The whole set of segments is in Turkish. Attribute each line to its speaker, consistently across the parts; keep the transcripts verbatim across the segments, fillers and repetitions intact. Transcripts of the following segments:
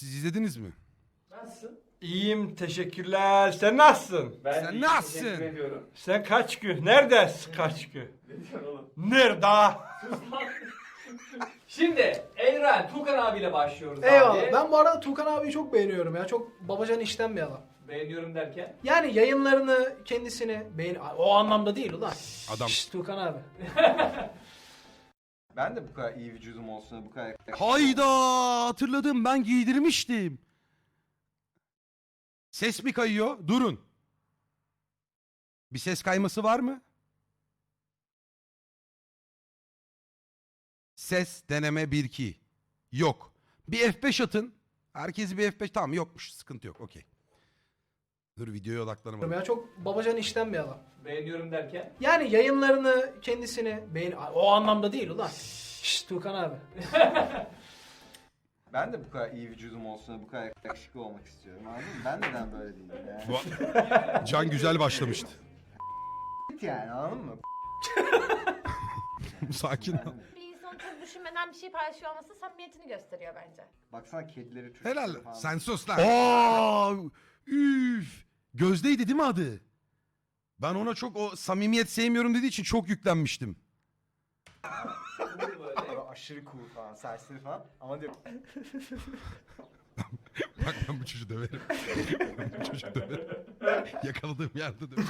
Speaker 1: Siz izlediniz mi?
Speaker 2: Nasılsın?
Speaker 3: İyiyim, teşekkürler. Sen nasılsın?
Speaker 2: Ben
Speaker 1: Sen
Speaker 2: de
Speaker 1: nasılsın?
Speaker 2: teşekkür ediyorum.
Speaker 3: Sen kaç gün? Neredesin kaç gün?
Speaker 2: Ne diyorsun oğlum?
Speaker 3: Nerede?
Speaker 2: Şimdi Elren, Tukan abiyle başlıyoruz
Speaker 4: Eyvallah.
Speaker 2: abi.
Speaker 4: Ben bu arada Tukan abiyi çok beğeniyorum ya. Çok babacan işten bir adam.
Speaker 2: Beğeniyorum derken.
Speaker 4: Yani yayınlarını, kendisini beğen... O anlamda değil ulan.
Speaker 1: Adam.
Speaker 4: Şşş, Tukan abi.
Speaker 5: Ben de bu kadar iyi vücudum olsun, bu kadar
Speaker 1: Hayda, hatırladım, ben giydirmiştim. Ses mi kayıyor? Durun. Bir ses kayması var mı? Ses deneme bir iki. Yok. Bir F beş atın. Herkesi bir F beş. Tamam, yokmuş. Sıkıntı yok. Okey. Dur, videoya odaklanamadım.
Speaker 4: Ya çok babacan işten bir adam.
Speaker 2: Beğeniyorum derken.
Speaker 4: Yani yayınlarını, kendisini beğen... O anlamda değil ulan. Şşş, Tukan abi.
Speaker 5: Ben de bu kadar iyi vücudum olsun, bu kadar yakışıklı olmak istiyorum. Anladın mı? Ben neden böyle değilim yani?
Speaker 1: Bu- Can güzel başlamıştı.
Speaker 5: Yani anladın mı?
Speaker 1: Sakin ol.
Speaker 6: Bir insan çok düşünmeden bir şey paylaşıyor olması samimiyetini gösteriyor bence.
Speaker 5: Baksana kedileri, çocukları
Speaker 1: Helal.
Speaker 5: falan.
Speaker 1: Sen sus lan. Aa, üf. Gözde'ydi değil mi adı? Ben ona çok o samimiyet sevmiyorum dediği için çok yüklenmiştim.
Speaker 2: Bunu böyle.
Speaker 5: Böyle aşırı cool falan, serseri falan. Ama diyor
Speaker 1: Bak, ben bu çocuğu döverim. Ben bu çocuğu döverim. Yakaladığım yerde döverim.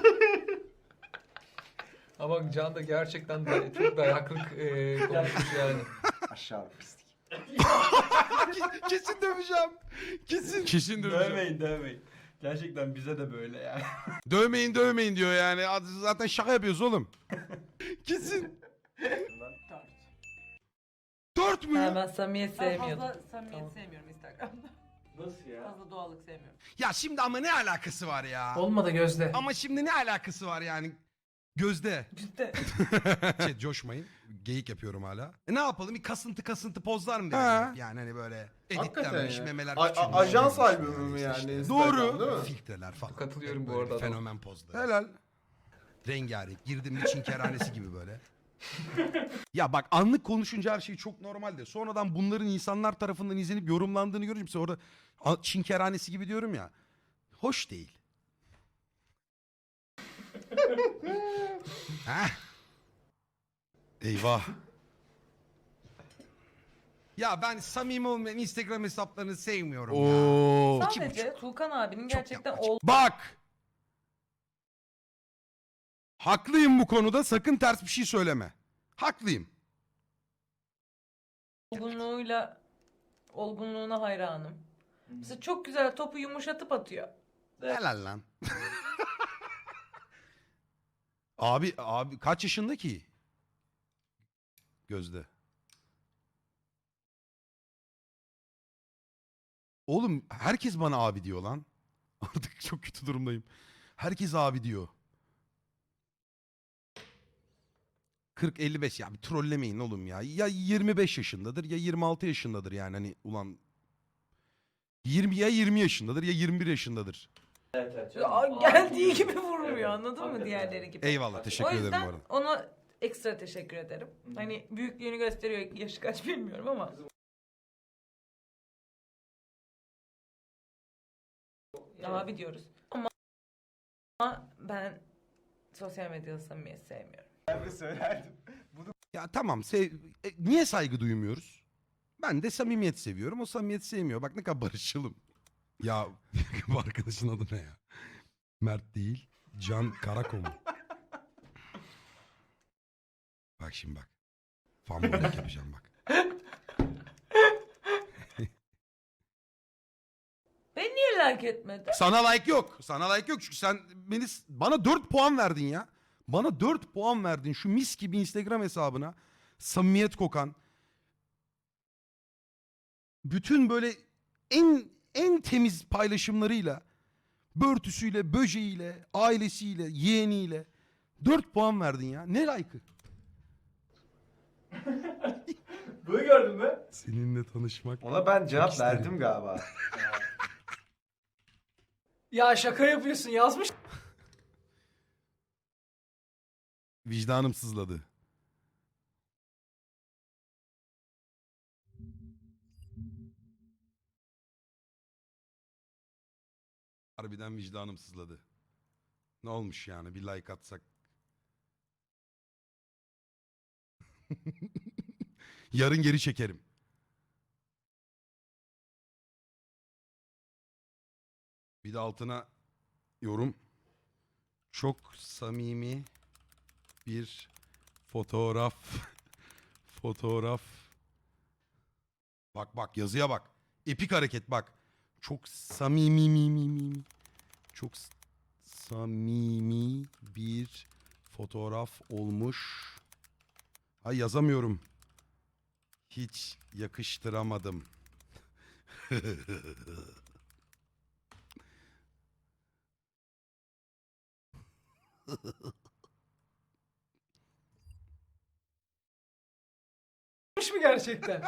Speaker 7: Ama Can da gerçekten de çok dayaklık e, konuşmuş yani.
Speaker 5: aşağı pislik.
Speaker 1: Kesin döveceğim. Kesin. Kesin döveceğim.
Speaker 3: Dövmeyin, dövmeyin. Gerçekten bize de böyle yani.
Speaker 1: Dövmeyin dövmeyin diyor yani. Zaten şaka yapıyoruz oğlum. Kesin. Dört mü?
Speaker 8: Ha, ben samimiyet
Speaker 9: Ben
Speaker 8: sevmiyordum.
Speaker 9: fazla samimiyet
Speaker 8: Tamam.
Speaker 9: sevmiyorum Instagram'da.
Speaker 2: Nasıl ya?
Speaker 9: Fazla doğallık sevmiyorum.
Speaker 1: Ya şimdi ama ne alakası var ya?
Speaker 4: Olmadı Gözde.
Speaker 1: Ama şimdi ne alakası var yani? Gözde.
Speaker 9: Cidden.
Speaker 1: Şey, coşmayın. Geyik yapıyorum hala. E ne yapalım? Bir kasıntı kasıntı pozlar mı
Speaker 10: Ha.
Speaker 1: dedim? Yani hani böyle
Speaker 10: Hakikaten
Speaker 1: editlenmiş
Speaker 10: ya.
Speaker 1: memeler
Speaker 10: A- a-
Speaker 1: küçülmüş.
Speaker 10: ajans
Speaker 1: büyümüş
Speaker 10: albümü mü
Speaker 1: işte
Speaker 10: yani
Speaker 1: işte.
Speaker 10: Instagram,
Speaker 1: Doğru.
Speaker 10: değil mi?
Speaker 1: Filtreler falan.
Speaker 7: Katılıyorum
Speaker 1: Hep
Speaker 7: bu
Speaker 1: böyle
Speaker 7: arada
Speaker 1: bir
Speaker 7: adama.
Speaker 1: fenomen pozları.
Speaker 10: Helal.
Speaker 1: Rengarenk. Girdim bir Çin kerhanesi gibi böyle. Ya bak, anlık konuşunca her şey çok normalde. Sonradan bunların insanlar tarafından izlenip yorumlandığını görünce mesela orada a- Çin kerhanesi gibi diyorum ya. Hoş değil. Heh. Eyvah. Ya ben samimi olmayan Instagram hesaplarını sevmiyorum ya.
Speaker 10: Oo.
Speaker 1: İki
Speaker 9: Sadece Tukan abinin
Speaker 1: Çok
Speaker 9: gerçekten
Speaker 1: yapmacık.
Speaker 9: ol
Speaker 1: Bak. Haklıyım bu konuda, sakın ters bir şey söyleme. Haklıyım.
Speaker 9: olgunluğuyla olgunluğuna hayranım. Mesela çok güzel topu yumuşatıp atıyor.
Speaker 1: Helal lan. Abi abi kaç yaşında ki? Gözde. Oğlum herkes bana abi diyor lan. Artık çok kötü durumdayım. Herkes abi diyor. kırk elli beş, ya bir trollemeyin oğlum ya. Ya yirmi beş yaşındadır ya yirmi altı yaşındadır yani, hani ulan yirmi ya yirmi yaşındadır ya yirmi bir yaşındadır.
Speaker 2: Evet evet.
Speaker 9: Aa,
Speaker 2: canım.
Speaker 9: geldiği
Speaker 2: Aa,
Speaker 9: gibi vurmuyor,
Speaker 2: evet,
Speaker 9: anladın mı
Speaker 2: hakikaten.
Speaker 9: diğerleri gibi.
Speaker 1: Eyvallah, teşekkür
Speaker 9: O
Speaker 1: ederim bu
Speaker 9: yüzden
Speaker 1: arada.
Speaker 9: ona ekstra teşekkür ederim. Hani büyüklüğünü gösteriyor, yaşı kaç bilmiyorum ama. Abi diyoruz. Ama ama ben sosyal medyada samimiyet sevmiyorum.
Speaker 5: Ben de söylerdim.
Speaker 1: Ya tamam, sev... e, niye saygı duymuyoruz? Ben de samimiyet seviyorum, o samimiyet sevmiyor. Bak ne kadar barışçılım. Ya bu arkadaşın adı ne ya? Mert değil, Can Karakom. Bak şimdi bak. Fanboylik yapacağım bak.
Speaker 9: Beni niye like etmedi?
Speaker 1: Sana like yok. Sana like yok çünkü sen beni bana dört puan verdin ya. Bana dört puan verdin şu mis gibi Instagram hesabına. Samimiyet kokan. Bütün böyle en en temiz paylaşımlarıyla, börtüsüyle, böceğiyle, ailesiyle, yeğeniyle dört puan verdin ya. Ne like'ı?
Speaker 2: Bunu gördün mü?
Speaker 1: Seninle tanışmak.
Speaker 5: Ona ben cevap
Speaker 1: isterim.
Speaker 5: verdim galiba.
Speaker 4: Ya şaka yapıyorsun, yazmış.
Speaker 1: Vicdanım sızladı. Harbiden vicdanım sızladı. Ne olmuş yani bir like atsak. Yarın geri çekerim. Bir de altına yorum. Çok samimi bir fotoğraf. Fotoğraf. Bak bak yazıya bak. Epik hareket bak. Çok samimi mi mi mi. Çok s- samimi bir fotoğraf olmuş. Ay yazamıyorum. Hiç yakıştıramadım.
Speaker 4: Yapmış mı gerçekten?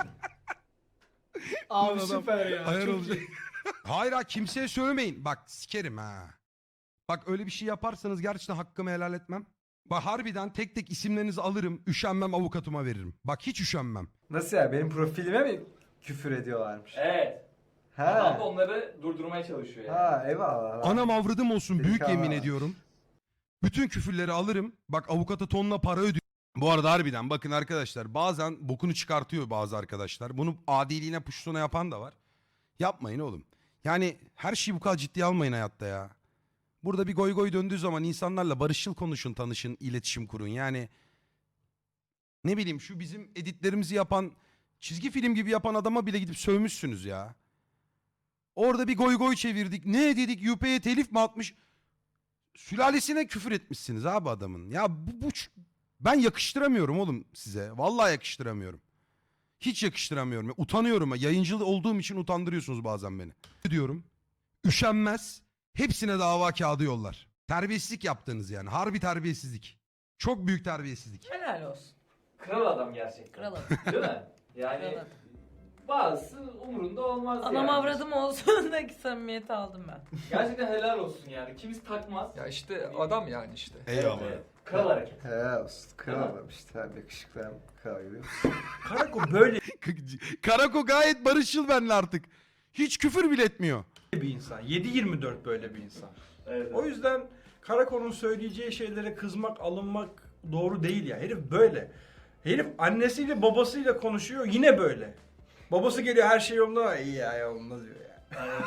Speaker 4: Abi süper ya.
Speaker 1: Hayır
Speaker 4: çok
Speaker 1: olacak.
Speaker 4: iyi.
Speaker 1: Hayır ha kimseye söylemeyin. Bak sikerim ha. Bak öyle bir şey yaparsanız gerçekten hakkımı helal etmem. Bak harbiden tek tek isimlerinizi alırım. Üşenmem avukatıma veririm. Bak hiç üşenmem.
Speaker 5: Nasıl ya? Benim profilime mi küfür ediyorlarmış?
Speaker 2: Evet. Adam da
Speaker 5: Ha.
Speaker 2: onları durdurmaya çalışıyor yani.
Speaker 5: Ha eyvallah.
Speaker 1: Anam avradım olsun büyük
Speaker 5: Delikanlı.
Speaker 1: yemin ediyorum. Bütün küfürleri alırım. Bak avukata tonla para ödüyor. Bu arada harbiden bakın arkadaşlar bazen bokunu çıkartıyor bazı arkadaşlar. Bunu adiliğine puştuna yapan da var. Yapmayın oğlum. Yani her şeyi bu kadar ciddiye almayın hayatta ya. Burada bir goy goy döndüğü zaman insanlarla barışçıl konuşun, tanışın, iletişim kurun. Yani ne bileyim şu bizim editlerimizi yapan, çizgi film gibi yapan adama bile gidip sövmüşsünüz ya. Orada bir goy goy çevirdik. Ne dedik? U P'ye telif mi atmış? Sülalesine küfür etmişsiniz abi adamın. Ya bu, bu ç- ben yakıştıramıyorum oğlum size. Vallahi yakıştıramıyorum. Hiç yakıştıramıyorum. Ya, utanıyorum. Yayıncı olduğum için utandırıyorsunuz bazen beni. Diyorum. Üşenmez. Hepsine dava kağıdı yollar. Terbiyesizlik yaptınız yani. Harbi terbiyesizlik. Çok büyük terbiyesizlik.
Speaker 9: Helal olsun.
Speaker 2: Kral adam gerçekten.
Speaker 9: Kral adam.
Speaker 2: Değil mi? Yani
Speaker 9: Kral adam.
Speaker 2: bazısı umurunda olmaz
Speaker 9: Anam
Speaker 2: yani.
Speaker 9: avradım olsun da ki samimiyeti aldım ben.
Speaker 2: Gerçekten helal olsun yani. Kimisi takmaz.
Speaker 7: Ya işte adam yani işte.
Speaker 1: Eyvallah.
Speaker 2: Evet, Kral hareket.
Speaker 5: He olsun. Kral
Speaker 2: Tamam.
Speaker 5: adam işte. Abi yakışıklı hem kral görüyor musun?
Speaker 3: Karako böyle
Speaker 1: Karako gayet barışçıl benimle artık. Hiç küfür bile etmiyor.
Speaker 3: bir insan. yedi yirmi dört böyle bir insan.
Speaker 2: Evet.
Speaker 3: O yüzden Karako'nun söyleyeceği şeylere kızmak, alınmak doğru değil ya. Herif böyle. Herif annesiyle babasıyla konuşuyor yine böyle. Babası geliyor her şey yolunda. İyi ya yolunda diyor ya.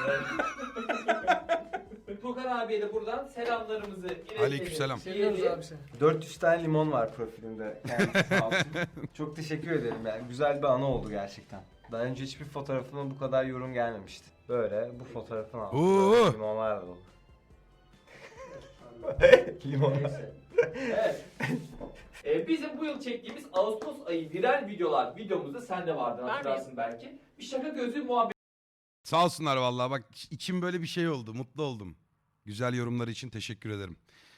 Speaker 2: Tuğkan abiye de buradan selamlarımızı iletelim.
Speaker 1: Aleykümselam.
Speaker 4: Seviyoruz abi seni.
Speaker 5: dört yüz tane limon var profilimde. Kendisi sağ olsun. Çok teşekkür ederim yani. Güzel bir anı oldu gerçekten. Daha önce hiçbir fotoğrafıma bu kadar yorum gelmemişti. Böyle bu fotoğrafını aldım.
Speaker 1: Oo.
Speaker 5: Böyle limonlar da dolu. Limon.
Speaker 2: Neyse. Evet. Ee, bizim bu yıl çektiğimiz Ağustos ayı viral videolar videomuzda sen de vardın
Speaker 6: Var
Speaker 2: hatırlarsın belki. Bir şaka gözlüğü muhabbeti
Speaker 1: Sağ olsunlar vallahi bak içim böyle bir şey oldu. Mutlu oldum. Güzel yorumlar için teşekkür ederim.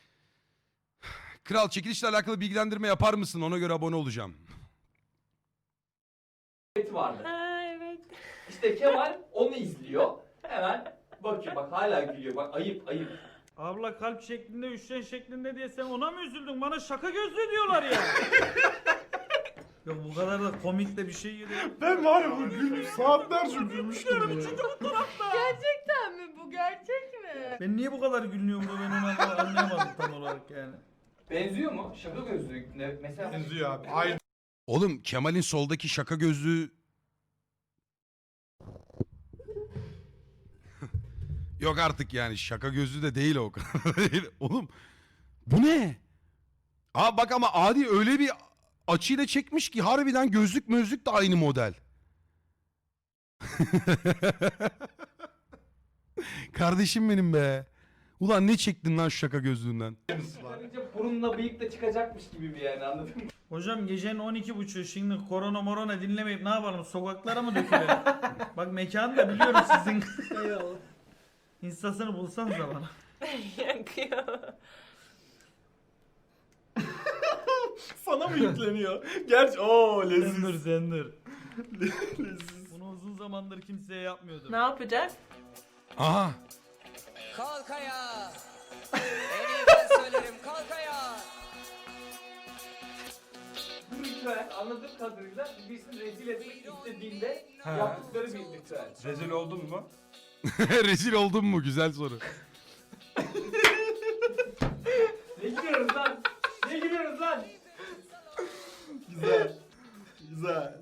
Speaker 1: Kral çekilişle alakalı bilgilendirme yapar mısın? Ona göre abone olacağım.
Speaker 2: vardı.
Speaker 6: Ha evet.
Speaker 2: İşte Kemal onu izliyor. Hemen bakıyor bak hala gülüyor bak ayıp ayıp.
Speaker 8: Abla kalp şeklinde, üçgen şeklinde diye sen ona mı üzüldün? Bana şaka gözlü diyorlar ya. Yok bu kadar da komik de bir şey değil.
Speaker 3: Ben var ya bu gülmüş saatlerce gülmüştüm ya.
Speaker 6: Gerçekten mi bu? Gerçek mi?
Speaker 8: Ben niye bu kadar gülüyorum da ben onu anlayamadım tam olarak yani.
Speaker 2: Benziyor mu? Şaka gözlüğü ne- mesela.
Speaker 3: Benziyor abi. Aynı.
Speaker 1: Oğlum Kemal'in soldaki şaka gözlüğü... Yok artık yani şaka gözlüğü de değil o. Oğlum bu ne? Aa bak ama Adi öyle bir açıyla çekmiş ki harbiden gözlük mözlük de aynı model. Kardeşim benim be. Ulan ne çektin lan şu şaka gözlüğünden?
Speaker 2: Çıkarınca burunla bıyık da çıkacakmış gibi bir yani anladın mı?
Speaker 8: Hocam gecenin on iki buçuğu şimdi korona morona dinlemeyip ne yapalım sokaklara mı dökülelim? Bak mekanı da biliyorum sizin.
Speaker 4: Eyvallah.
Speaker 8: İnstasını bulsanız da bana.
Speaker 9: Yakıyor.
Speaker 3: Sana mı yükleniyor? Gerçi ooo
Speaker 8: Zendir zendir. Bunu uzun zamandır kimseye yapmıyordum.
Speaker 9: Ne yapacağız?
Speaker 1: Aha.
Speaker 10: Kalk ayağa. En iyi ben söylerim kalk ayağa.
Speaker 2: Bu ritüel anladığım kadarıyla birisini rezil etmek istediğinde
Speaker 3: Ha.
Speaker 2: yaptıkları bir ritüel.
Speaker 3: Rezil oldun mu?
Speaker 1: Rezil oldun mu? Güzel soru.
Speaker 2: Ne gülüyoruz lan? Ne gülüyoruz lan?
Speaker 5: Güzel. Güzel.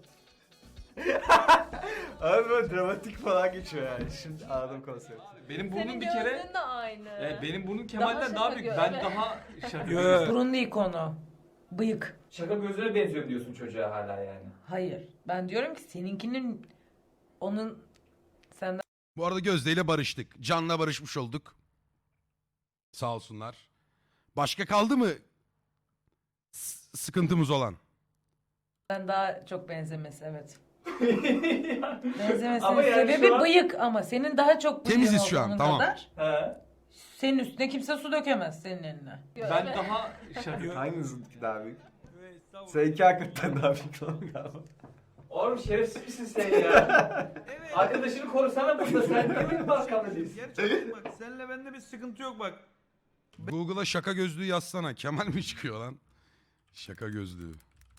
Speaker 5: Abi böyle dramatik falan geçiyor yani. Şimdi anladım konsepti.
Speaker 7: Benim
Speaker 9: Senin
Speaker 7: burnum bir kere...
Speaker 9: gözlüğün de aynı.
Speaker 7: Evet, benim burnum Kemal'den
Speaker 9: Daha
Speaker 7: daha,
Speaker 9: şaka
Speaker 7: büyük.
Speaker 9: gö-
Speaker 7: Ben
Speaker 9: evet.
Speaker 7: daha şaka
Speaker 3: Yo.
Speaker 9: Burun değil konu. Bıyık.
Speaker 2: Şaka gözüne benziyorum diyorsun çocuğa hala yani.
Speaker 9: Hayır. Ben diyorum ki seninkinin onun senden
Speaker 1: Bu arada Gözde ile barıştık. Can'la barışmış olduk. Sağ olsunlar. Başka kaldı mı s- sıkıntımız olan?
Speaker 9: daha çok benzemesi evet.
Speaker 2: Ama
Speaker 9: Benzemesinin
Speaker 2: yani
Speaker 9: sebebi
Speaker 2: şu an-
Speaker 9: bıyık ama senin daha çok bıyığın
Speaker 1: Temiziz şu an,
Speaker 9: olduğunun
Speaker 1: tamam.
Speaker 9: kadar.
Speaker 2: He.
Speaker 9: Senin üstüne kimse su dökemez senin eline.
Speaker 7: Ben daha şaka...
Speaker 5: Hanginizinki daha büyük? Seninki hakikaten daha büyük olan galiba.
Speaker 2: Oğlum şerefsiz misin sen ya? Arkadaşını korusana burada. Sen niye benim arkamda değilsin?
Speaker 8: Gerçekten bak seninle bende bir sıkıntı yok bak.
Speaker 1: Google'a şaka gözlüğü yazsana. Kemal mi çıkıyor lan? Şaka gözlüğü.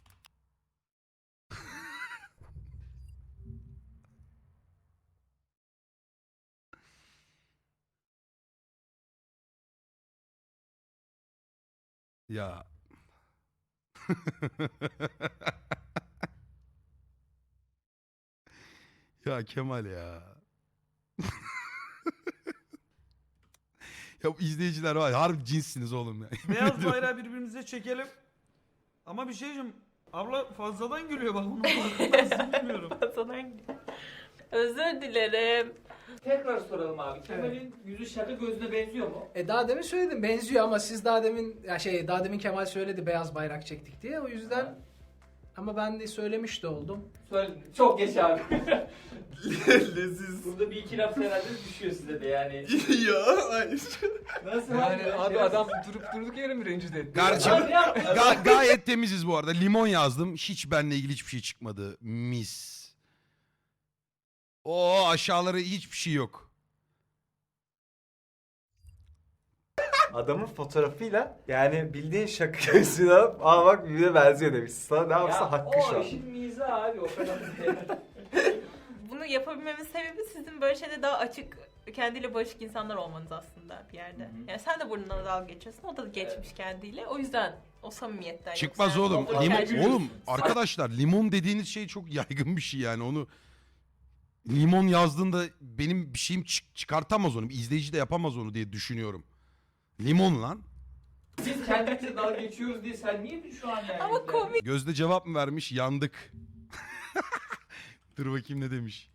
Speaker 1: Ya. Ya Kemal ya. Ya bu izleyiciler var ya, harbi cinssiniz oğlum ya.
Speaker 8: Beyaz bayrağı birbirimize çekelim. Ama bir şey diyeceğim. Abla fazladan gülüyor bak onu farkındasın bilmiyorum.
Speaker 9: Özür dilerim.
Speaker 2: Tekrar soralım abi. Kemal'in yüzü şaka gözüne benziyor mu?
Speaker 4: E daha demin söyledim benziyor ama siz daha demin ya şey daha demin Kemal söyledi beyaz bayrak çektik diye o yüzden ama ben de söylemiş de oldum.
Speaker 2: Söyle. Çok geç abi.
Speaker 5: Leziz.
Speaker 2: Burada bir iki laf herhalde düşüyor size de yani.
Speaker 5: Ya hayır.
Speaker 2: Nasıl
Speaker 7: Yani
Speaker 2: abi?
Speaker 7: abi adam durup durduk yere mi rencide etti?
Speaker 1: Kardeşim
Speaker 2: Abi ya.
Speaker 1: ga- gayet temiziz bu arada. Limon yazdım. Hiç benimle ilgili hiçbir şey çıkmadı. Mis. O aşağıları hiçbir şey yok.
Speaker 5: Adamın fotoğrafıyla yani bildiğin şaka gözlüğünü alıp aa bak birbirine benziyor demiş. Sana ne yapsa
Speaker 2: Ya
Speaker 5: hakkı şu
Speaker 2: o
Speaker 5: an.
Speaker 2: işin mizahı abi o kadar değil.
Speaker 6: Bunu yapabilmemin sebebi sizin böyle şeyde daha açık, kendiyle barışık insanlar olmanız aslında bir yerde.
Speaker 2: Hı hı.
Speaker 6: Yani sen de burnundan dalga geçiyorsun, o da geçmiş kendiyle. O yüzden o samimiyetten.
Speaker 1: Çıkmaz
Speaker 6: yoksa-
Speaker 1: oğlum.
Speaker 2: Fotoğraf
Speaker 1: Limon,
Speaker 2: tercih
Speaker 1: oğlum arkadaşlar limon dediğiniz şey çok yaygın bir şey yani. Onu limon yazdığında benim bir şeyim çık- çıkartamaz onu. Bir izleyici de yapamaz onu diye düşünüyorum. Limon lan.
Speaker 2: Biz kendimize dalga geçiyoruz diye sen niye şu an yani?
Speaker 6: Ama komik.
Speaker 1: Gözde cevap mı vermiş? Yandık. Dur bakayım ne demiş.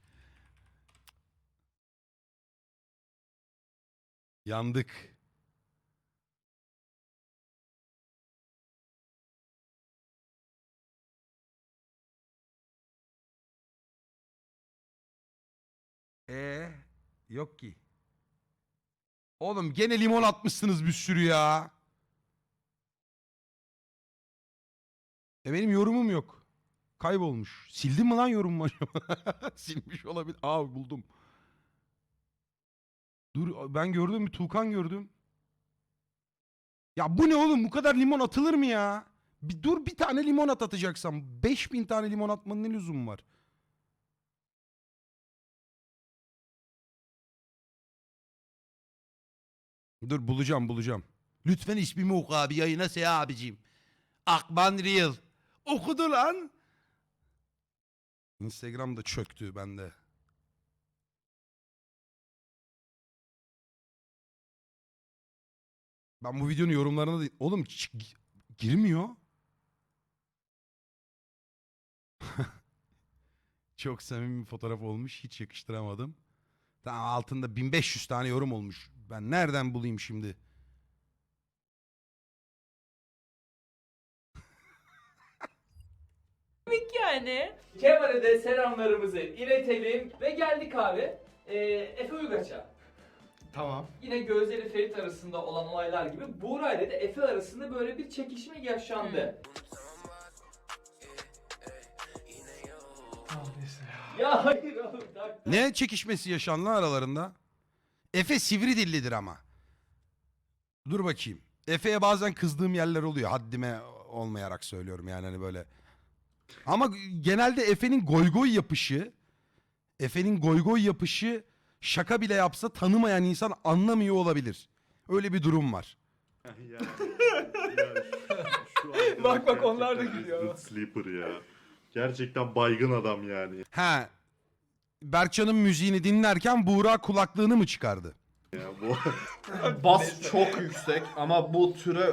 Speaker 1: Yandık. Ee, yok ki. Oğlum gene limon atmışsınız bir sürü ya. E benim yorumum yok. Kaybolmuş. Sildim mi lan yorumumu acaba? Silmiş olabilir. Aa buldum. Dur ben gördüm bir Tuğkan gördüm. Ya bu ne oğlum? Bu kadar limon atılır mı ya? Bir dur bir tane limon at atacaksam. beş bin tane limon atmanın ne lüzumu var? Dur bulacağım bulacağım. Lütfen ismimi oku abi yayına Seha abicim. Akban Real. Okudu lan. Instagram da çöktü bende. Ben bu videonun yorumlarına da... Oğlum ç- girmiyor. Çok samimi bir fotoğraf olmuş. Hiç yakıştıramadım. Tamam altında bin beş yüz tane yorum olmuş. Ben nereden bulayım şimdi?
Speaker 6: Komik yani.
Speaker 2: Kemal'e de selamlarımızı iletelim ve geldik abi. Ee, Efe Uygaç'a.
Speaker 4: Tamam.
Speaker 2: Yine Gözde ile Ferit arasında olan olaylar gibi Buğra ile de Efe arasında böyle bir çekişme yaşandı. Ya hayır oğlum. tak-
Speaker 1: Ne çekişmesi yaşandı aralarında? Efe sivri dillidir ama. Dur bakayım. Efe'ye bazen kızdığım yerler oluyor. Haddime olmayarak söylüyorum yani hani böyle. Ama genelde Efe'nin goygoy yapışı, Efe'nin goygoy yapışı şaka bile yapsa tanımayan insan anlamıyor olabilir. Öyle bir durum var.
Speaker 11: yani, yani şu, şu
Speaker 3: Bak bak, onlar da
Speaker 11: gerçekten
Speaker 3: gülüyor.
Speaker 11: Resident Sleeper ya. Gerçekten baygın adam yani.
Speaker 1: Ha. Berkcan'ın müziğini dinlerken Buğra kulaklığını mı çıkardı?
Speaker 11: Ya bu
Speaker 3: Bas çok yüksek ama bu türe...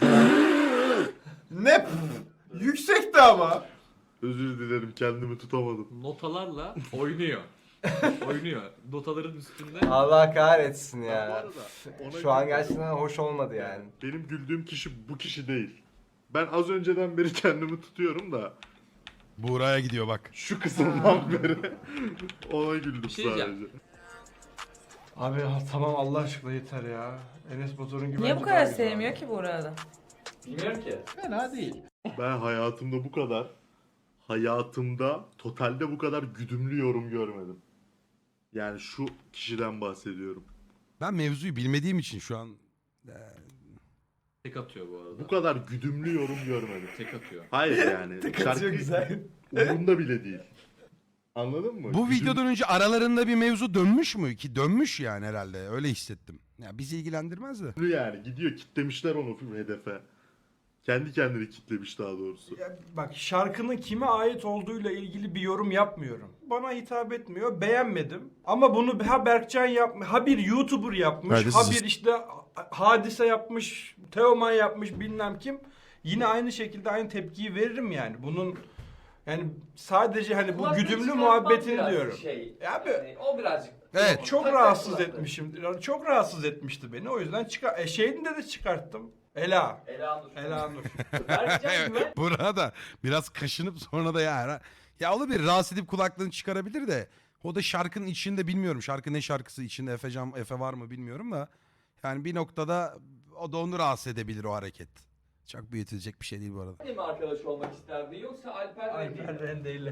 Speaker 3: ne? Yüksekti ama.
Speaker 11: özür dilerim kendimi tutamadım.
Speaker 2: Notalarla oynuyor. oynuyor. Notaların üstünde.
Speaker 5: Allah kahretsin
Speaker 11: Bu
Speaker 5: ya.
Speaker 11: arada ona
Speaker 5: Şu an
Speaker 11: güldüm.
Speaker 5: gerçekten hoş olmadı yani.
Speaker 11: Benim güldüğüm kişi bu kişi değil. Ben az önceden beri kendimi tutuyorum da
Speaker 1: Buğra'ya gidiyor bak.
Speaker 11: şu kısımdan beri ona güldüm
Speaker 2: Bir şey
Speaker 11: sadece.
Speaker 2: diyeceğim.
Speaker 3: Abi ya, tamam Allah aşkına yeter ya. Enes Batur'un gibi.
Speaker 9: Niye bu kadar sevmiyor ki Buğra'da?
Speaker 2: Bilmiyorum ki.
Speaker 3: Fena değil.
Speaker 11: Ben hayatımda bu kadar hayatımda totalde bu kadar güdümlü yorum görmedim. Yani şu kişiden bahsediyorum.
Speaker 1: Ben mevzuyu bilmediğim için şu an
Speaker 2: Tek atıyor bu arada.
Speaker 11: Bu kadar güdümlü yorum görmedim.
Speaker 2: Tek atıyor.
Speaker 11: Hayır yani. Şarkı
Speaker 3: güzel.
Speaker 11: umurunda bile değil. Anladın mı?
Speaker 1: bu
Speaker 11: Güdüm-
Speaker 1: videodan önce aralarında bir mevzu dönmüş mü ki? Dönmüş yani herhalde. Öyle hissettim. Ya bizi ilgilendirmez de.
Speaker 11: yani gidiyor kitlemişler onu hedefe. Kendi kendini kitlemiş daha doğrusu.
Speaker 3: Ya bak, şarkının kime ait olduğuyla ilgili bir yorum yapmıyorum. Bana hitap etmiyor, beğenmedim. Ama bunu ha Berkcan yapmış, ha bir YouTuber yapmış,
Speaker 1: Evet,
Speaker 3: ha
Speaker 1: siz-
Speaker 3: bir işte Hadise yapmış, Teoman yapmış, bilmem kim. Yine aynı şekilde aynı tepkiyi veririm yani. Bunun yani sadece hani bu
Speaker 2: Kulaklığı
Speaker 3: güdümlü
Speaker 2: çıkartmam
Speaker 3: muhabbetini
Speaker 2: biraz
Speaker 3: diyorum.
Speaker 2: Şey,
Speaker 3: Ya abi-
Speaker 2: yani o birazcık.
Speaker 1: Evet.
Speaker 3: Çok
Speaker 2: Tak
Speaker 3: rahatsız
Speaker 2: kulaklığı.
Speaker 3: etmişim. Çok rahatsız etmişti beni. O yüzden çıkar. E şeyinde de çıkarttım. Ela.
Speaker 2: Ela Nur.
Speaker 3: Ela Nur.
Speaker 2: Berkcan Güven.
Speaker 1: Buğra da biraz kaşınıp sonra da ya. Ya olabilir, rahatsız edip kulaklığını çıkarabilir de. O da şarkının içinde bilmiyorum. Şarkı ne şarkısı içinde Efe, Can, Efe var mı bilmiyorum da. Yani bir noktada o da onu rahatsız edebilir o hareket. Çok büyütülecek bir şey değil bu arada.
Speaker 2: mi arkadaş olmak isterdi yoksa Alper Rengel mi?
Speaker 3: Alper Rendeyle.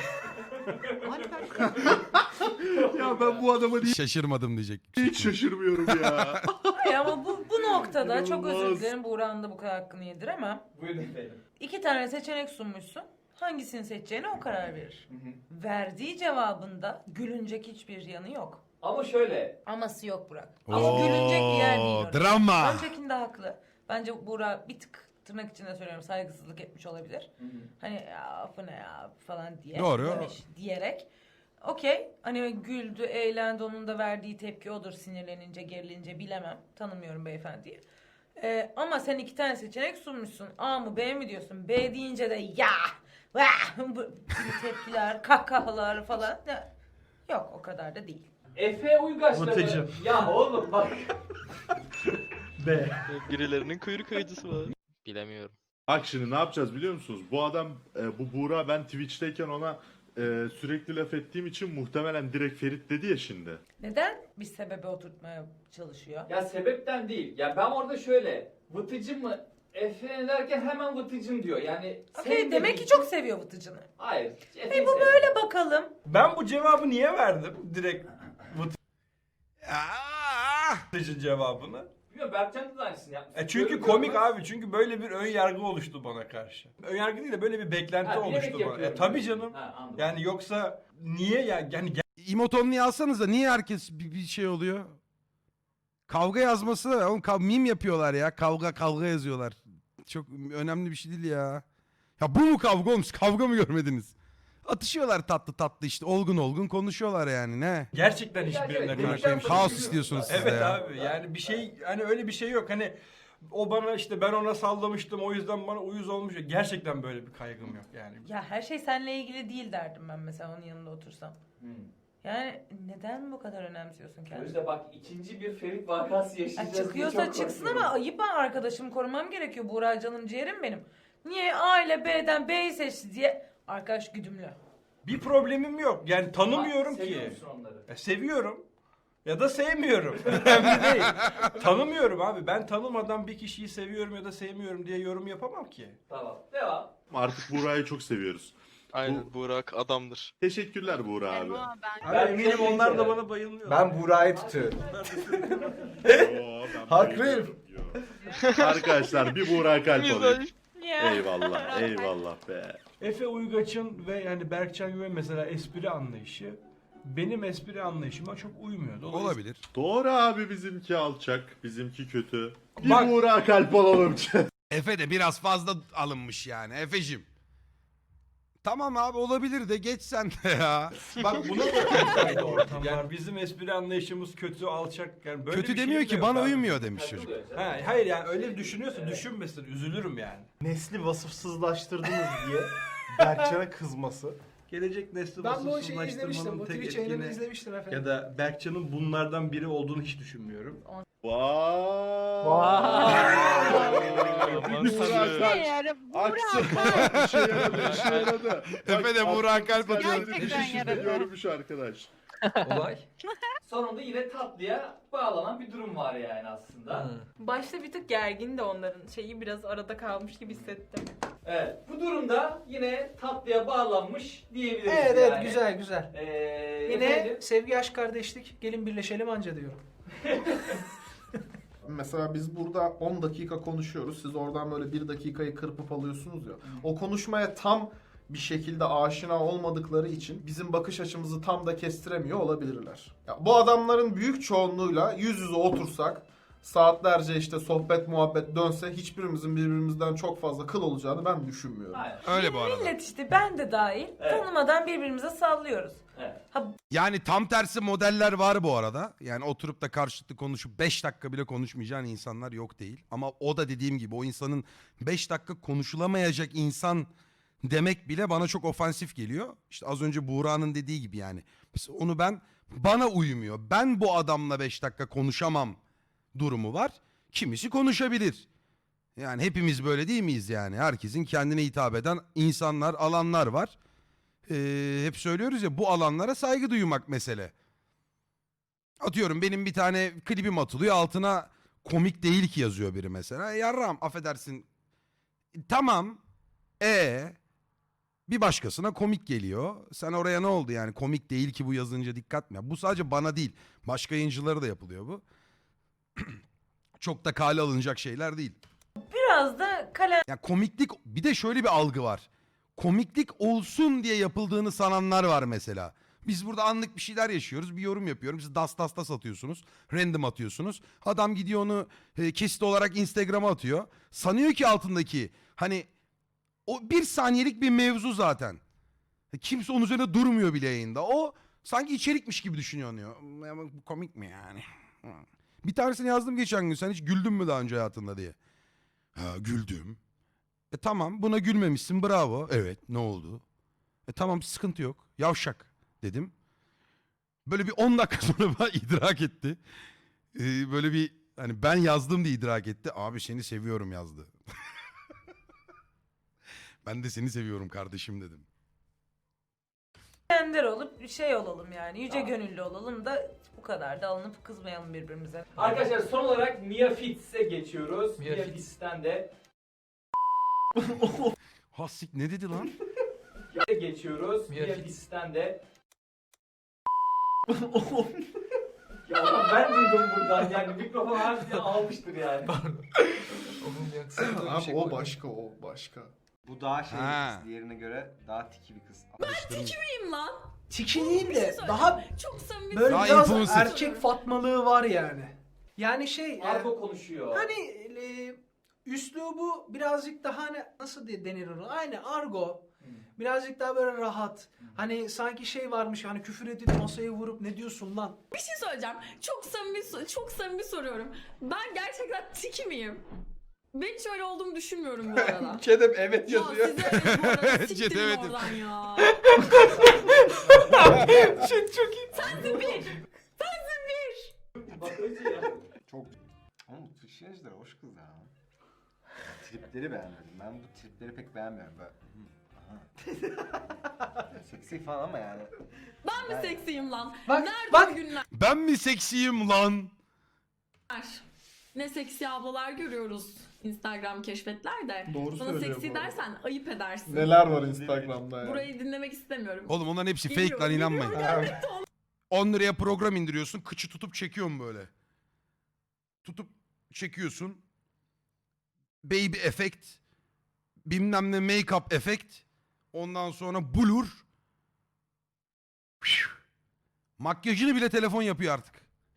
Speaker 11: Ya ben bu adama niye
Speaker 1: Şaşırmadım diyecek.
Speaker 11: hiç şaşırmıyorum ya.
Speaker 9: Hayır ama bu, bu noktada çok özür
Speaker 11: İnanılmaz.
Speaker 9: dilerim, Buğra'nın da bu kadar hakkını yediremem.
Speaker 2: Buyurun efendim.
Speaker 9: İki tane seçenek sunmuşsun. Hangisini seçeceğine o karar verir. Verdiği cevabında gülünecek hiçbir yanı yok.
Speaker 2: Ama şöyle.
Speaker 9: Aması yok Burak. Ama gülünecek bir yer değil orası.
Speaker 1: Drama.
Speaker 9: Öncekinde haklı. Bence Buğra bir tık, tırnak içinde söylüyorum, saygısızlık etmiş olabilir. Hani ya afı ne ya falan diye.
Speaker 1: Doğru.
Speaker 9: Demiş, diyerek. Okey. Hani güldü, eğlendi, onun da verdiği tepki odur, sinirlenince, gerilince, bilemem. Tanımıyorum beyefendiyi. Ee, ama sen iki tane seçenek sunmuşsun. A mı B mi diyorsun? B deyince de ya, vah, bu gibi tepkiler, kahkahalar falan. Ya, yok, o kadar da değil.
Speaker 2: Efe Uygaç'la mı?
Speaker 3: Vıtıcı.
Speaker 2: Ya oğlum bak.
Speaker 3: B.
Speaker 12: Birilerinin kuyruk acısı var. Bilemiyorum.
Speaker 11: Bak şimdi ne yapacağız biliyor musunuz? Bu adam, e, bu Buğra, ben Twitch'teyken ona e, sürekli laf ettiğim için muhtemelen direkt Ferit dedi ya şimdi.
Speaker 9: Neden bir sebebe oturtmaya çalışıyor?
Speaker 2: Ya sebepten değil. Ya ben orada şöyle. Vıtıcı mı? Efe derken hemen vıtıcım diyor. Yani
Speaker 9: Okey,
Speaker 2: sevmediği
Speaker 9: demek ki
Speaker 2: için-
Speaker 9: çok seviyor Vıtıcı'nı.
Speaker 2: Hayır.
Speaker 9: Hey,
Speaker 2: Efe'yi
Speaker 9: bu
Speaker 2: sevmiyor.
Speaker 9: böyle bakalım.
Speaker 3: Ben bu cevabı niye verdim? Direkt
Speaker 1: Aa!
Speaker 3: Vıtıcı cevabını.
Speaker 2: Bilmiyorum, Berkcan da aynısını yapmış.
Speaker 3: E çünkü
Speaker 2: Görür
Speaker 3: komik
Speaker 2: görmez-
Speaker 3: abi. Çünkü böyle bir ön yargı oluştu bana karşı. Ön yargı değil de böyle bir beklenti
Speaker 2: Ha, bilerek
Speaker 3: oluştu bana.
Speaker 2: yapıyorum
Speaker 3: E tabii
Speaker 2: diyorsun.
Speaker 3: canım.
Speaker 2: Ha, anladım.
Speaker 3: Yani yoksa niye ya? Yani
Speaker 1: İmoton niye alsanız da niye herkes bir, bir şey oluyor? Kavga yazması, oğlum kav- meme yapıyorlar ya. Kavga kavga yazıyorlar. Çok önemli bir şey değil ya. Ya bu mu kavga oğlum? Siz kavga mı görmediniz? Atışıyorlar tatlı tatlı işte. Olgun olgun konuşuyorlar yani ne?
Speaker 3: gerçekten
Speaker 2: Ya,
Speaker 3: hiçbirine
Speaker 2: evet,
Speaker 1: Amına
Speaker 3: karşı.
Speaker 1: koyayım,
Speaker 2: sonra
Speaker 1: kaos
Speaker 2: gülüyorsun
Speaker 1: istiyorsunuz
Speaker 2: zaten.
Speaker 1: siz de
Speaker 3: Evet
Speaker 1: ya.
Speaker 3: abi, yani bir şey, hani öyle bir şey yok. Hani o bana işte, ben ona sallamıştım, o yüzden bana uyuz olmuş. Gerçekten böyle bir kaygım yok yani.
Speaker 9: Ya her şey seninle ilgili değil derdim ben mesela onun yanında otursam.
Speaker 2: Hmm.
Speaker 9: Yani neden bu kadar önemsiyorsun
Speaker 2: O
Speaker 9: kendini?
Speaker 2: yüzden bak ikinci bir Ferit vakası
Speaker 9: Ya
Speaker 2: yaşayacağız. diye
Speaker 9: çıkıyorsa
Speaker 2: çok
Speaker 9: çıksın
Speaker 2: korkuyorum.
Speaker 9: ama ayıp, ben arkadaşımı korumam gerekiyor. Buğra canım ciğerim benim. Niye A ile B'den B'yi seçti diye arkadaş güdümlü.
Speaker 3: Bir problemim yok. Yani tanımıyorum
Speaker 2: Ha, seviyor
Speaker 3: ki.
Speaker 2: musun onları?
Speaker 3: E, seviyorum. Ya da sevmiyorum. Önemli değil. Tanımıyorum abi. Ben tanımadan bir kişiyi seviyorum ya da sevmiyorum diye yorum yapamam ki.
Speaker 2: Tamam. Devam.
Speaker 11: Artık Buğra'yı çok seviyoruz.
Speaker 12: Aynen Burak adamdır.
Speaker 11: Teşekkürler Buğra abi.
Speaker 3: Abi eminim onlar da bana bayılmıyor.
Speaker 5: Ben Buğra'yı tutuyorum.
Speaker 11: Yo, ben
Speaker 5: Haklıyım.
Speaker 11: Yo. Arkadaşlar bir Buğra kalp alayım.
Speaker 6: Ya.
Speaker 11: Eyvallah, eyvallah be.
Speaker 3: Efe Uygaç'ın ve yani Berkcan Güven mesela espri anlayışı benim espri anlayışıma çok uymuyor. Dolayısıyla
Speaker 1: Olabilir.
Speaker 11: Doğru abi, bizimki alçak, bizimki kötü. Bir
Speaker 3: Bak-
Speaker 11: Buğra kalp alalım.
Speaker 1: Efe de biraz fazla alınmış yani. Efe'cim. Tamam abi olabilir de geç sen de ya.
Speaker 3: Bak buna da ortam yani bizim espri anlayışımız kötü, alçak yani böyle
Speaker 1: Kötü
Speaker 3: bir
Speaker 1: demiyor
Speaker 3: şey
Speaker 1: ki
Speaker 3: de
Speaker 1: bana
Speaker 3: yok abi.
Speaker 1: uymuyor demiş çocuk.
Speaker 2: Takılıyor canım.
Speaker 3: Ha, hayır yani öyle düşünüyorsa düşünmesin, üzülürüm yani.
Speaker 13: Nesli vasıfsızlaştırdınız diye Berkcan'a kızması.
Speaker 3: Gelecek nesli
Speaker 4: Ben bu şeyi izlemiştim.
Speaker 3: vasıfsızlaştırmanın
Speaker 4: Bu
Speaker 3: tek
Speaker 4: Twitch yayınını
Speaker 3: etkini
Speaker 4: izlemiştim efendim.
Speaker 3: ya da Berkcan'ın bunlardan biri olduğunu hiç düşünmüyorum.
Speaker 11: Vay. Buğra kalp. Aksın. İşe yaradı, işe yaradı.
Speaker 1: Efe de Buğra kalp atıyor.
Speaker 11: Gerçekten yaradı. Görmüş arkadaş.
Speaker 7: Olay.
Speaker 2: Sonunda yine tatlıya bağlanan bir durum var yani aslında.
Speaker 7: Hı.
Speaker 6: Başta bir tık gergin de onların şeyi biraz arada kalmış gibi hissettim.
Speaker 2: Evet. Bu durumda yine tatlıya bağlanmış diyebiliriz
Speaker 4: Evet
Speaker 2: yani.
Speaker 4: evet güzel güzel.
Speaker 2: Ee,
Speaker 4: Yine
Speaker 2: efendim?
Speaker 4: sevgi aşk kardeşlik gelin birleşelim anca diyorum.
Speaker 13: Mesela biz burada on dakika konuşuyoruz. Siz oradan böyle bir dakikayı kırpıp alıyorsunuz ya. O konuşmaya tam bir şekilde aşina olmadıkları için bizim bakış açımızı tam da kestiremiyor olabilirler. Ya bu adamların büyük çoğunluğuyla yüz yüze otursak, saatlerce işte sohbet muhabbet dönse hiçbirimizin birbirimizden çok fazla kıl olacağını ben düşünmüyorum.
Speaker 2: Aynen.
Speaker 1: Öyle bu arada.
Speaker 9: Millet işte ben de dahil
Speaker 2: Evet.
Speaker 9: tanımadan birbirimize sallıyoruz.
Speaker 2: Evet.
Speaker 1: Yani tam tersi modeller var bu arada. Yani oturup da karşılıklı konuşup beş dakika bile konuşmayacağın insanlar yok değil. Ama o da dediğim gibi o insanın beş dakika konuşulamayacak insan demek bile bana çok ofansif geliyor. İşte az önce Buğra'nın dediği gibi yani. Mesela onu ben bana uymuyor. Ben bu adamla beş dakika konuşamam durumu var. Kimisi konuşabilir. Yani hepimiz böyle değil miyiz yani? Herkesin kendine hitap eden insanlar, alanlar var. Ee, hep söylüyoruz ya bu alanlara saygı duymak mesele. Atıyorum benim bir tane klibim atılıyor altına komik değil ki yazıyor biri mesela. E, yarram affedersin. Tamam. E bir başkasına komik geliyor. Sen oraya ne oldu yani komik değil ki bu yazınca dikkat mi? Bu sadece bana değil. Başka yayıncılara da yapılıyor bu. Çok da kale alınacak şeyler değil.
Speaker 9: Biraz da kalem
Speaker 1: Ya komiklik bir de şöyle bir algı var. Komiklik olsun diye yapıldığını sananlar var mesela. Biz burada anlık bir şeyler yaşıyoruz. Bir yorum yapıyorum. Siz das das das atıyorsunuz. Random atıyorsunuz. Adam gidiyor onu e, kesit olarak Instagram'a atıyor. Sanıyor ki altındaki hani o bir saniyelik bir mevzu zaten. Kimse onun üzerine durmuyor bile yayında. O sanki içerikmiş gibi düşünüyor. Diyor. "Ama bu komik mi yani? Bir tanesini yazdım geçen gün. Sen hiç güldün mü daha önce hayatında diye. Ha, güldüm. E tamam buna gülmemişsin bravo. Evet ne oldu? E tamam sıkıntı yok. Yavşak dedim. Böyle bir on dakika sonra bana idrak etti. Ee, böyle bir hani ben yazdım diye idrak etti. Abi seni seviyorum yazdı. Ben de seni seviyorum kardeşim dedim.
Speaker 9: ender olup şey olalım yani. Yüce
Speaker 2: Tamam.
Speaker 9: gönüllü olalım da bu kadar da alınıp kızmayalım birbirimize.
Speaker 2: Arkadaşlar son olarak Mia Fitz'e geçiyoruz.
Speaker 7: Mia
Speaker 2: Mia,
Speaker 7: Fitz.
Speaker 2: Fitz'ten de
Speaker 1: Hasik ne dedi lan?
Speaker 2: geçiyoruz.
Speaker 7: Mia
Speaker 2: Mia
Speaker 7: Fitz.
Speaker 2: Fitz'ten de ya oğlum ben duydum buradan yani mikrofon harbiden almıştır yani.
Speaker 7: Onun yaksın da bir
Speaker 13: Abi
Speaker 7: şey
Speaker 13: o
Speaker 7: koydum.
Speaker 13: başka o başka.
Speaker 5: Bu daha şey
Speaker 1: Ha.
Speaker 5: bir kız, diğerine göre daha tiki bir kız.
Speaker 4: Tiki
Speaker 14: lan.
Speaker 4: Tiki değil
Speaker 14: Bir
Speaker 4: de
Speaker 14: şey söyleyeceğim.
Speaker 4: daha
Speaker 14: Çok samimi
Speaker 4: böyle
Speaker 1: Daha
Speaker 4: biraz
Speaker 1: influencer.
Speaker 4: erkek fatmalığı var yani. Yani şey e,
Speaker 2: Argo konuşuyor.
Speaker 4: hani e, üslubu birazcık daha hani nasıl de- denir onu? Aynı argo. Birazcık daha böyle rahat. Hani sanki şey varmış hani küfür edip masaya vurup ne diyorsun lan?
Speaker 14: Bir şey söyleyeceğim. Çok samimi çok samimi soruyorum. Ben gerçekten tiki miyim? Ben hiç öyle olduğumu düşünmüyorum bu arada.
Speaker 3: Kedem evet
Speaker 14: Ya
Speaker 3: yazıyor.
Speaker 14: size evet bu arada
Speaker 1: Evet,
Speaker 14: siktirin
Speaker 1: Cedevet'im.
Speaker 14: oradan ya.
Speaker 3: Şey çok iyi.
Speaker 14: Sensin bir. Sensin bir.
Speaker 2: Bakıcı ya.
Speaker 5: Çok... Ama bu Twitch'ler hoş kız ya. Tripleri beğenmedim. Ben bu tripleri pek beğenmiyorum. Böyle... hı, aha. Yani seksi falan ama yani.
Speaker 14: Ben mi
Speaker 5: Ben-
Speaker 14: seksiyim lan?
Speaker 4: Bak,
Speaker 14: Nerede
Speaker 4: bak.
Speaker 14: o günler?
Speaker 1: Ben mi seksiyim lan?
Speaker 14: Ne seksi ablalar görüyoruz Instagram keşfetlerde.
Speaker 13: Doğru
Speaker 14: Bana
Speaker 13: söylüyor
Speaker 14: seksi
Speaker 13: bu arada.
Speaker 14: dersen ayıp edersin.
Speaker 13: Neler var Instagram'da yani.
Speaker 14: Burayı dinlemek istemiyorum.
Speaker 1: Oğlum onların hepsi fake
Speaker 14: Geliyor,
Speaker 1: lan
Speaker 14: geliyor,
Speaker 1: inanmayın.
Speaker 14: gelmekte olan-
Speaker 1: on liraya program indiriyorsun. Kıçı tutup çekiyorsun böyle. Tutup çekiyorsun. Baby effect. Bilmem ne make-up effect. Ondan sonra blur. Makyajını bile telefon yapıyor artık.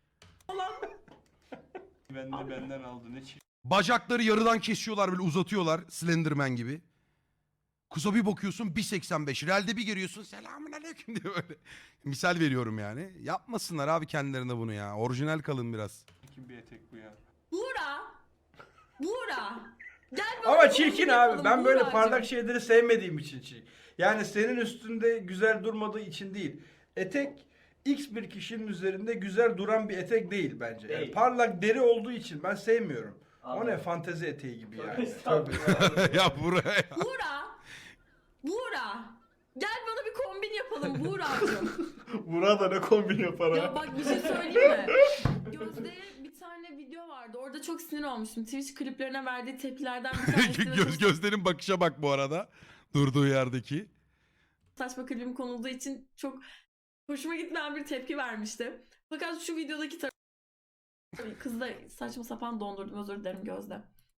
Speaker 3: Ben de benden aldı ne çirkin.
Speaker 1: Bacakları yarıdan kesiyorlar böyle uzatıyorlar Slenderman gibi. Kuza bir bakıyorsun bir seksen beş. Realde bir giriyorsun selamünaleyküm diye böyle. Misal veriyorum yani. Yapmasınlar abi kendilerine bunu ya. Orijinal kalın biraz.
Speaker 3: Çirkin bir etek bu ya.
Speaker 14: Buğra. Buğra. Gel bana
Speaker 3: Ama
Speaker 14: bir
Speaker 3: çirkin
Speaker 14: kombin
Speaker 3: abi.
Speaker 14: yapalım
Speaker 3: Ben böyle
Speaker 14: Buğracığım.
Speaker 3: parlak şeyleri sevmediğim için çirkin. Yani senin üstünde güzel durmadığı için değil. Etek X bir kişinin üzerinde güzel duran bir etek değil bence. Yani
Speaker 2: Değil.
Speaker 3: parlak deri olduğu için ben sevmiyorum. O
Speaker 2: Anladım.
Speaker 3: ne fantezi eteği gibi yani.
Speaker 2: Estağfurullah.
Speaker 1: Ya buraya.
Speaker 14: Buğra. Buğra. Gel bana bir kombin yapalım Buğra'cığım.
Speaker 13: Burada ne kombin yapar ha?
Speaker 14: Ya bak bir şey söyleyeyim mi? Gözde'ye bir tane video vardı. Orada çok sinir olmuştum. Twitch kliplerine verdiği tepkilerden bir tanesi. ve
Speaker 1: Göz
Speaker 14: çok
Speaker 1: gözlerin bakışa bak bu arada. Durduğu yerdeki.
Speaker 14: saçma klibim konulduğu için çok hoşuma gitmeyen bir tepki vermişti. Fakat şu videodaki tar- kızı da saçma sapan dondurdum, özür dilerim Gözde.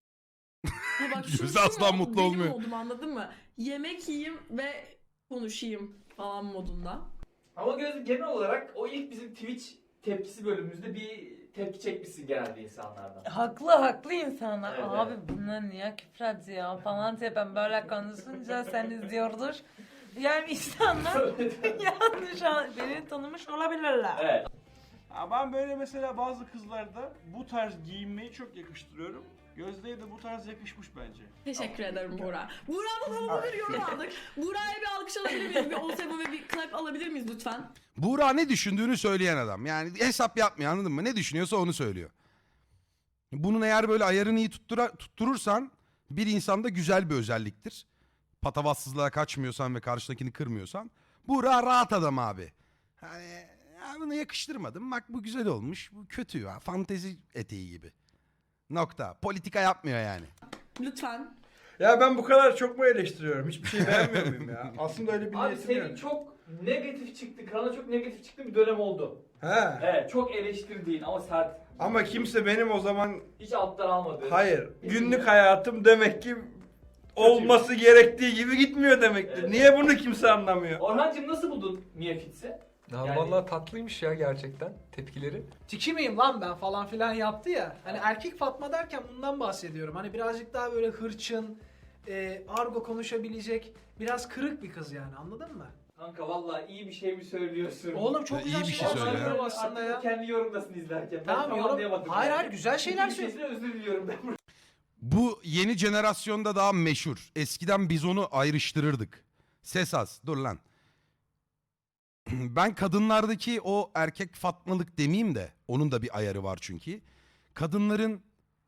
Speaker 14: Ya bak şu-
Speaker 1: Gözde
Speaker 14: şu
Speaker 1: asla
Speaker 14: mod,
Speaker 1: mutlu
Speaker 14: benim
Speaker 1: olmuyor.
Speaker 14: modum, anladın mı? Yemek yiyeyim ve konuşayım falan modunda.
Speaker 2: Ama Gözde genel olarak o ilk bizim Twitch tepkisi bölümümüzde bir tepki çekmişsin genelde insanlardan.
Speaker 9: Haklı haklı insanlar.
Speaker 2: Evet,
Speaker 9: Abi
Speaker 2: evet.
Speaker 9: bunlar niye küfür ya falan diye ben böyle konuşunca sen izliyordur. Yani insanlar yanlış an- beni tanımış olabilirler.
Speaker 2: Evet.
Speaker 3: Ya ben böyle mesela bazı kızlarda bu tarz giyinmeyi çok yakıştırıyorum. Gözde'ye de bu tarz yakışmış bence.
Speaker 14: Teşekkür ederim Buğra. Buğra'dan havalı bir yorum aldık. Buğra'ya bir alkış alabilir miyiz? Bir on seven ve bir clap alabilir miyiz lütfen?
Speaker 1: Buğra ne düşündüğünü söyleyen adam. Yani hesap yapmıyor anladın mı? Ne düşünüyorsa onu söylüyor. Bunun eğer böyle ayarını iyi tuttura, tutturursan bir insanda güzel bir özelliktir. Patavatsızlığa kaçmıyorsan ve karşıdakini kırmıyorsan. Buğra rahat adam abi. Hani ya bunu yakıştırmadım. Bak bu güzel olmuş. Bu kötü ya. Fantezi eteği gibi. Nokta. Politika yapmıyor yani.
Speaker 14: Lütfen.
Speaker 3: Ya ben bu kadar çok mu eleştiriyorum? Hiçbir şey beğenmiyor muyum ya? Aslında öyle bir
Speaker 2: Abi
Speaker 3: niyetim
Speaker 2: senin
Speaker 3: yok.
Speaker 2: çok negatif çıktı, kanala çok negatif çıktı bir dönem oldu.
Speaker 3: He.
Speaker 2: Evet, çok eleştirdiğin ama sert.
Speaker 3: Ama kimse benim o zaman
Speaker 2: Hiç alttan almadı.
Speaker 3: hayır. Günlük hayatım demek ki olması gerektiği gibi gitmiyor demektir.
Speaker 2: Evet.
Speaker 3: Niye bunu kimse anlamıyor?
Speaker 2: Orhancığım nasıl buldun Mia Fitz'i?
Speaker 7: Ya
Speaker 2: Yani-
Speaker 7: vallahi tatlıymış ya gerçekten tepkileri.
Speaker 4: Tiki miyim lan ben falan filan yaptı ya. Hani erkek Fatma derken bundan bahsediyorum. Hani birazcık daha böyle hırçın, e, argo konuşabilecek, biraz kırık bir kız yani, anladın mı?
Speaker 2: Kanka vallahi iyi bir şey mi söylüyorsun?
Speaker 4: Oğlum çok
Speaker 1: İyi
Speaker 4: güzel
Speaker 1: bir şey
Speaker 4: şeyler
Speaker 1: söyle ya.
Speaker 4: söylüyorum aslında ya.
Speaker 2: Kendi yorumdasın izlerken. Ben
Speaker 4: Tamam,
Speaker 2: tam
Speaker 4: yorum-
Speaker 2: anlayamadım
Speaker 4: Hayır,
Speaker 2: yani.
Speaker 4: hayır, güzel şeyler
Speaker 2: İki
Speaker 4: söyle-
Speaker 2: şeysine özür diliyorum ben burada.
Speaker 1: Bu yeni jenerasyonda daha meşhur. Eskiden biz onu ayrıştırırdık. Ses az. Dur lan. Ben kadınlardaki o erkek fatmalık demeyeyim de onun da bir ayarı var çünkü. Kadınların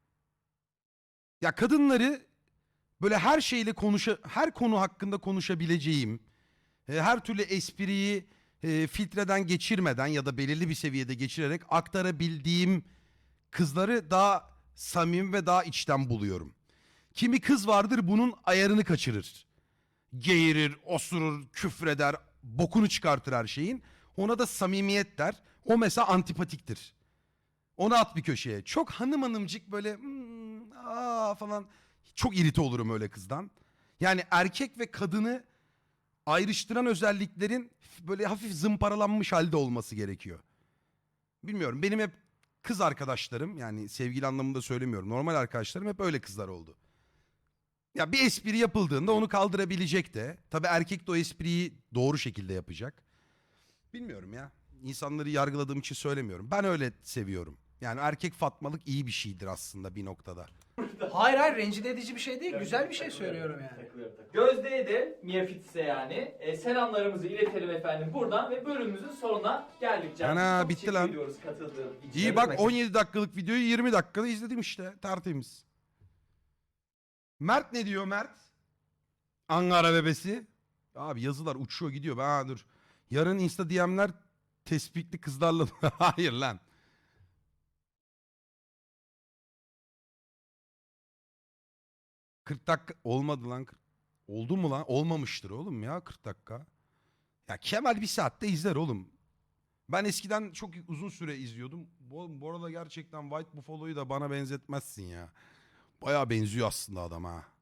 Speaker 1: ya kadınları böyle her şeyle konuşa her konu hakkında konuşabileceğim, e, her türlü espriyi e, filtreden geçirmeden ya da belirli bir seviyede geçirerek aktarabildiğim kızları daha samimi ve daha içten buluyorum. Kimi kız vardır bunun ayarını kaçırır. Geğirir, osurur, küfreder, bokunu çıkartır her şeyin. Ona da samimiyet der. O mesela antipatiktir. Onu at bir köşeye. Çok hanım hanımcık böyle "Hmm, aa" falan. Çok irite olurum öyle kızdan. Yani erkek ve kadını ayrıştıran özelliklerin böyle hafif zımparalanmış halde olması gerekiyor. Bilmiyorum, benim hep kız arkadaşlarım, yani sevgili anlamında söylemiyorum, normal arkadaşlarım hep öyle kızlar oldu. Ya bir espri yapıldığında onu kaldırabilecek de. Tabii erkek de o espriyi doğru şekilde yapacak. Bilmiyorum ya. İnsanları yargıladığım için söylemiyorum. Ben öyle seviyorum. Yani erkek fatmalık iyi bir şeydir aslında bir noktada.
Speaker 4: Hayır hayır, rencide edici bir şey değil. Güzel bir şey söylüyorum yani.
Speaker 2: Takılıyorum, takılıyorum. Gözde'ye de Mia Fitz'e yani e, selamlarımızı iletelim efendim buradan ve bölümümüzün sonuna geldik. Can.
Speaker 1: Ana,
Speaker 2: Çok
Speaker 1: bitti
Speaker 2: teşekkür
Speaker 1: lan.
Speaker 2: ediyoruz katıldığın için.
Speaker 1: İyi bak, on yedi dakikalık videoyu yirmi dakikada izledim işte. Tertemiz. Mert ne diyor Mert? Ankara bebesi. Abi yazılar uçuyor gidiyor. Ha dur. Yarın Insta D M'ler tespitli kızlarla. Hayır lan. kırk dakika olmadı lan. Oldu mu lan? Olmamıştır oğlum ya kırk dakika. Ya Kemal bir saatte izler oğlum. Ben eskiden çok uzun süre izliyordum. Bu, bu arada gerçekten White Buffalo'yu da bana benzetmezsin ya. Bayağı benziyor aslında adam ha.